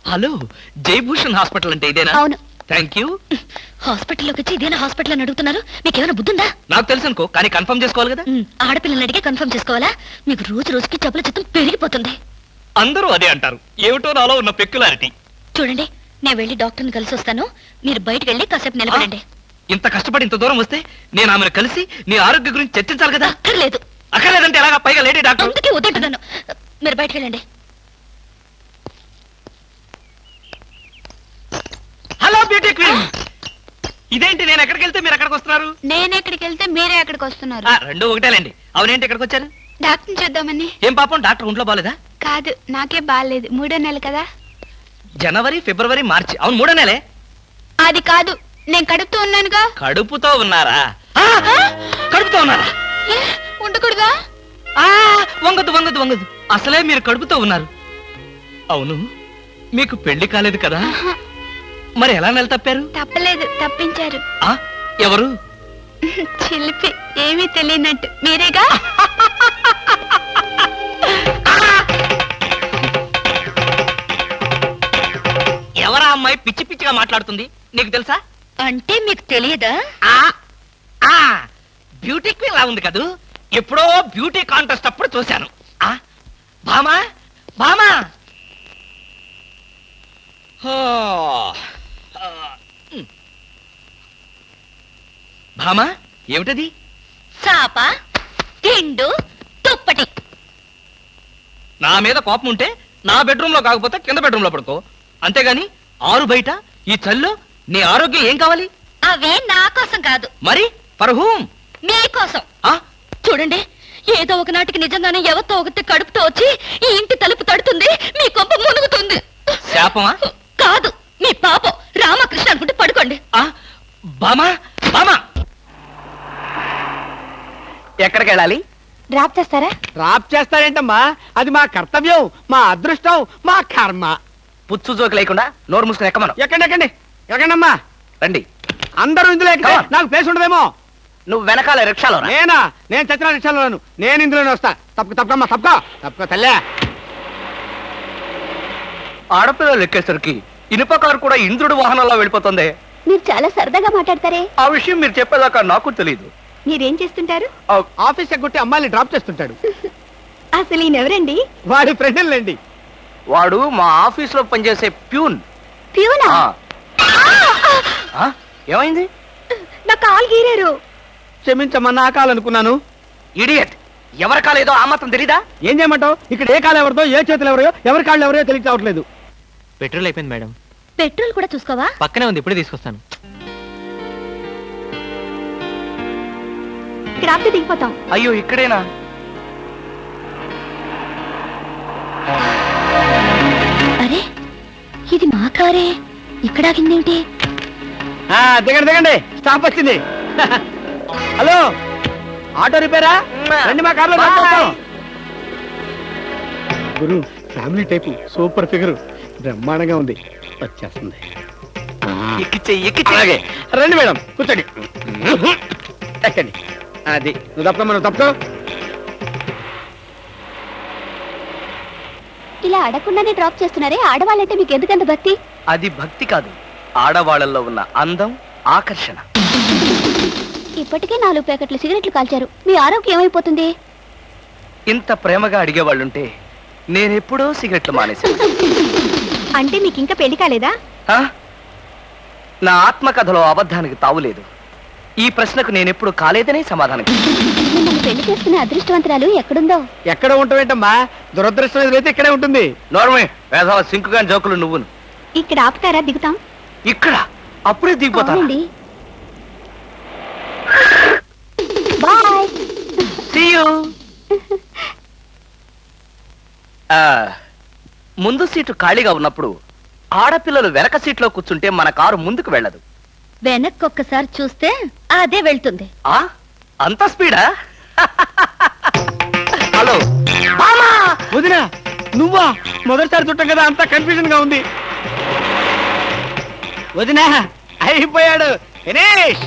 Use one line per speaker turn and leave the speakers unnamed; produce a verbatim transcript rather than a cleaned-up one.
Hello, Jayabhushan hospital అంటే ఇదేనా?
అవును.
Thank you.
హాస్పిటల్లోకి వచ్చి ఇదేనా హాస్పిటల్ అని అడుగుతున్నారు? మీకు ఏమైనా బుద్ధుందా?
నాకు తెలుసు అనుకో, కానీ కన్ఫర్మ్ చేసుకోవాలి కదా.
ఉమ్, ఆడపిల్లల్ని అడిగే కన్ఫర్మ్ చేసుకోవాలా? మీకు రోజు రోజుకి జబ్బుల చిత్తం పెరిగిపోతుంది.
అందరూ అదే అంటారు. ఏమిటో నాలో ఉన్న పెక్యులారిటీ.
చూడండి, నేను వెళ్ళి డాక్టర్ని కలిసి వస్తాను. మీరు బయటకు వెళ్ళి కాసేపు నిలబడండి.
ఇంత కష్టపడి ఇంత దూరం వస్తే నేను ఆమెను కలిసి నీ ఆరోగ్య గురించి చర్చించాలి కదా.
అక్కర్లేదు.
అక్కర్లేదంటే ఎలాగా? పైగా లేడీ డాక్టర్.
అందుకే వద్దంటున్నాను. మీరు బయటకు వెళ్ళండి.
Hello beauty queen. ఇదేంటి, నేను ఎక్కడికి వెళ్తే మీరు ఎక్కడికి వస్తున్నారు?
నేను ఎక్కడికి వెళ్తే మీరే ఎక్కడికి వస్తున్నారు.
ఆ, రెండు ఒకటేలేండి. అవునేంటి ఎక్కడికి వచ్చారు?
డాక్టర్ చూద్దామని.
ఏం పాపం, డాక్టర్ ఒంట్లో బాలేదా?
కాదు, నాకే బాగాలేదు. మూడో నెల కదా.
జనవరి, ఫిబ్రవరి, మార్చి. అవును, మూడో నెలే.
అది కాదు, నేను కడుపుతూ ఉన్నానుగా.
కడుపుతో ఉన్నారా? ఆ, కడుపుతో ఉన్నారా?
ఏ, ఉండకూడదా?
ఆ, వంగదు వంగదు వంగదు. అసలే మీరు కడుపుతో ఉన్నారు. అవును, మీకు పెళ్లి కాలేదు కదా? మరి ఎలా నెల తప్పారు?
తప్పలేదు, తప్పించారు.
ఆ, ఎవరు?
చిలిపి, ఏమీ తెలియనట్టు. మీరేగా?
ఎవరా అమ్మాయి పిచ్చి పిచ్చిగా మాట్లాడుతుంది? నీకు తెలుసా?
అంటే మీకు తెలియదా?
ఆ, ఆ, బ్యూటీ క్వీన్ లా ఉంది కదూ. ఎప్పుడో బ్యూటీ కాంటెస్ట్ అప్పుడు చూశాను. ఆ, భామా భామా. హో, ఆ, ఉమ్. భామా, ఏమిటది?
చాప, తిండు, తుప్పటి.
నా మీద కోపం ఉంటే నా బెడ్రూమ్ లో కాకపోతే కింద బెడ్రూమ్ లో పడుకో. అంతేగాని ఆరు బయట ఈ చల్లో నీ ఆరోగ్యం ఏం కావాలి?
అవే నా కోసం కాదు,
మరి ఫర్ హూమ్?
మీకోసం.
ఆ,
చూడండి, ఏదో ఒకనాటికి నిజంగానే ఎవరితో ఒకటి కడుపుతో వచ్చి ఈ ఇంటి తలుపు తడుతుంది, మీ కొంప మునుగుతుంది.
శాపమా?
కాదు, మీ పాపం. రామకృష్ణ అనుకుంటే పడుకోండి.
ఆ, బామా బామా, ఎక్కడికి వెళ్ళాలి?
డ్రాప్ చేస్తారా?
డ్రాప్ చేస్తారేంటమ్మా? అది మా కర్తవ్యం, మా అదృష్టం, మా కర్మ.
పుచ్చు జోకి లేకుండా నోరు మూసుకుని ఎక్కమను.
ఎక్కండి ఎక్కండి ఎక్కండమ్మా.
రండి.
అందరూ ఇందులో ఎక్కితే
Come on.
నాకు ప్లేస్ ఉండదేమో.
నువ్వు వెనకాల రిక్షాలో రా.
నేనా? నేను చచ్చిన రిక్షాలోను. నేను ఇందులోనే వస్తా. తప్పక తప్పకమ్మా, తప్పక తప్పక తల్లే.
ఆడపిల్లలు ఎక్కేసరికి ఇనుప కారు కూడా ఇంద్రుడు వాహనంలో వెళ్ళిపోతుంది.
మీరు చాలా సరదాగా మాట్లాడతారే.
ఆ విషయం మీరు చెప్పేదాకా నాకు తెలియదు.
మీరేం చేస్తుంటారు?
ఆఫీస్ ఎగ్గొట్టి అమ్మాయిని డ్రాప్ చేస్తుంటాడు.
అసలు ఈయనెవరండి?
వాడి ఫ్రెండ్లండి.
వాడు మా ఆఫీస్ లో పనిచేసే ప్యూన్.
ప్యూనా?
ఆ, ఏమైంది?
నా కాలు గీరారు.
క్షమించమ్మా, నా కాలనుకున్నాను.
ఇడియట్, ఎవరి కాలేదో ఆ మాత్రం తెలీదా?
ఏం చేయమంటావు? ఇక్కడ ఏ కాలు ఎవరిదో, ఏ చేతులు ఎవరో, ఎవరి కాళ్ళు ఎవరో తెలియ రావట్లేదు.
పెట్రోల్ అయిపోయింది మేడం.
పెట్రోల్ కూడా చూసుకోవా?
పక్కనే ఉంది, ఇప్పుడే తీసుకొస్తాను.
ఇక్కడ ఆపితే దిగిపోతాం.
అయ్యో, ఇక్కడేనా?
అరే, ఇది మా కారే. ఇక్కడ ఆగిందేమిటి?
ఆ, దిగండి దిగండి, స్టాప్ వచ్చింది. హలో, ఆటో రిపేరా? రండి మా కార్లో డ్రాప్ చేస్తాం. గురు, ఫ్యామిలీ టైపు, సూపర్ ఫిగర్, బ్రహ్మాండంగా ఉంది. వచ్చేస్తుంది.
ఎక్కిచ్చే ఎక్కిచ్చే.
అలాగే రండి మేడం, కూర్చోండి. ఎక్కండి. అది నువ్వు తప్ప మనం తప్పుకో.
ఇలా అడగకుండానే డ్రాప్ చేస్తున్నారే, ఆడవాళ్ళంటే మీకు ఎందుకంత భక్తి?
అది భక్తి కాదు, ఆడవాళ్ళల్లో ఉన్న అందం, ఆకర్షణ.
ఇప్పటికే నాలుగు ప్యాకెట్లు సిగరెట్లు కాల్చారు. మీ ఆరోగ్యం ఏమైపోతుంది?
ఇంత ప్రేమగా అడిగేవాళ్ళుంటే నేనెప్పుడో సిగరెట్లు మానేశాను.
అంటే మీకు ఇంకా పెళ్లి కాలేదా?
ఆ? నా ఆత్మకథలో అబద్ధానికి తావులేదు. ఈ ప్రశ్నకు నేనెప్పుడు కాలేదనే సమాధానం.
మిమ్మల్ని పెళ్లి చేసుకునే అదృష్టవంతరాలు ఎక్కడుందో.
ఎక్కడ ఉంటావేంటమ్మా? దురదృష్టం ఎదురైతే ఇక్కడే ఉంటుంది.
నోర్మే, వేసవ సింకుగా జోకులు నువ్వును.
ఇక్కడ ఆపుతారా? దిగుతాం.
ఇక్కడ అప్పుడే దిగిపోతా.
అవునండి. బాయ్.
See you. ఆ, ముందు సీటు ఖాళీగా ఉన్నప్పుడు ఆడపిల్లలు వెనక సీట్లో కూర్చుంటే మన కారు ముందుకు వెళ్ళదు.
వెనక్కి ఒక్కసారి చూస్తే అదే వెళ్తుంది.
ఆ, అంత స్పీడా? హలో
వదినా, నువ్వా? మొదటిసారి చుట్టం కదా, అంతా కన్ఫ్యూజన్ గా ఉంది. వదినా, అయిపోయాడు, ఫినిష్.